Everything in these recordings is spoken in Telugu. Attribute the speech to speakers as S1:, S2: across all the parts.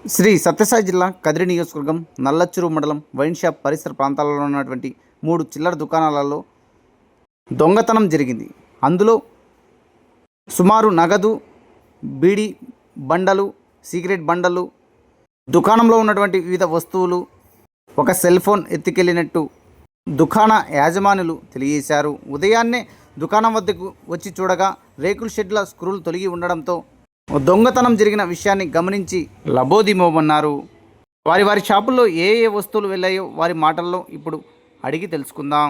S1: శ్రీ సత్యసాయి జిల్లా కదిరి నియోజకవర్గం నల్లచ్చూరు మండలం వైన్ షాప్ పరిసర ప్రాంతాలలో ఉన్నటువంటి 3 చిల్లర దుకాణాలలో దొంగతనం జరిగింది. అందులో సుమారు నగదు, బీడీ బండలు, సిగరెట్ బండలు, దుకాణంలో ఉన్నటువంటి వివిధ వస్తువులు, ఒక సెల్ ఫోన్ ఎత్తుకెళ్ళినట్టు దుకాణ యాజమానులు తెలియజేశారు. ఉదయాన్నే దుకాణం వద్దకు వచ్చి చూడగా రేకుల షెడ్ల స్క్రూలు తొలగి ఉండడంతో దొంగతనం జరిగిన విషయాన్ని గమనించి లబోదిమోమన్నారు. వారి షాపుల్లో ఏ వస్తువులు వెళ్ళాయో వారి మాటల్లో ఇప్పుడు అడిగి తెలుసుకుందాం.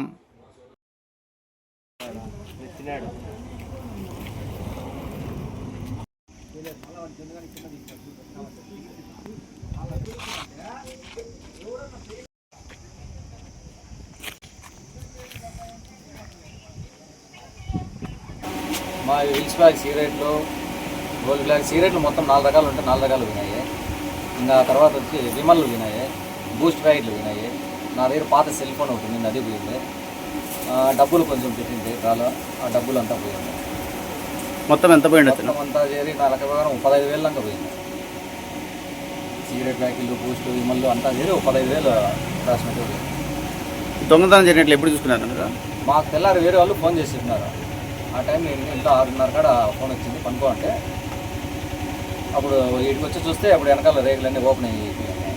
S2: మా హిల్స్ బ్లాక్ సిగరెట్లు, గోల్డ్ బ్లాక్ సిగరెట్లు మొత్తం 4 రకాలు ఉంటాయి. 4 రకాలు వినాయి. ఇంకా తర్వాత వచ్చి విమల్లు వినాయి, బూస్ట్ ప్యాకెట్లు వినాయి. నా దగ్గర పాత సెల్ ఫోన్ ఒకటి ఉంది, అది పోయింది. డబ్బులు కొంచెం పెట్టింది కాలు, ఆ డబ్బులు అంతా పోయింది.
S1: మొత్తం ఎంత పోయింది?
S2: మొత్తం అంతా చేరి నా లెక్క ప్రకారం 15,000 దాకా పోయింది. సిగరెట్ ప్యాకెట్లు, బూస్ట్, విమల్లు అంతా చేరి 15,000 రాసినట్టు పోయింది.
S1: దొంగతనం జరిగినట్లు ఎప్పుడు చూసుకున్నారు?
S2: మాకు తెల్లారి వేరే వాళ్ళు ఫోన్ చేస్తున్నారు. ఆ టైం నేను ఇంట్లో 6:30 కాడ ఫోన్ వచ్చింది పనుకో అంటే, అప్పుడు వీటికి వచ్చి చూస్తే అప్పుడు వెనకాల రేకులన్నీ ఓపెన్ అయ్యి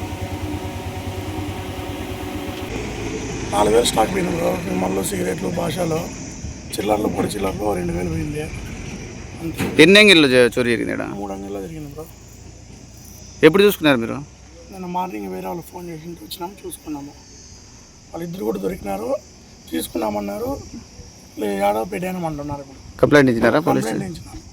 S3: 4,000 స్టాక్ పోయినారు. విమల్లో, సిగరెట్లు, భాషలో, చిల్లర్లు, పొడి చిల్లర్లు 2,000 పోయింది.
S1: ఎన్ని అంగిల్లో చోరీ జరిగింది?
S3: 3 అంగిల్లో జరిగింది బ్రో.
S1: ఎప్పుడు చూసుకున్నారు మీరు?
S3: నేను మార్నింగ్ వేరే వాళ్ళు ఫోన్ చేసి వచ్చినాము, చూసుకున్నాము. వాళ్ళిద్దరు కూడా దొరికినారు, తీసుకున్నామన్నారు. ఏడో పెట్టాను అంటున్నారు. ఇప్పుడు
S1: కంప్లైంట్ ఇచ్చినారా?
S3: కంప్లైంట్ ఇచ్చినారు.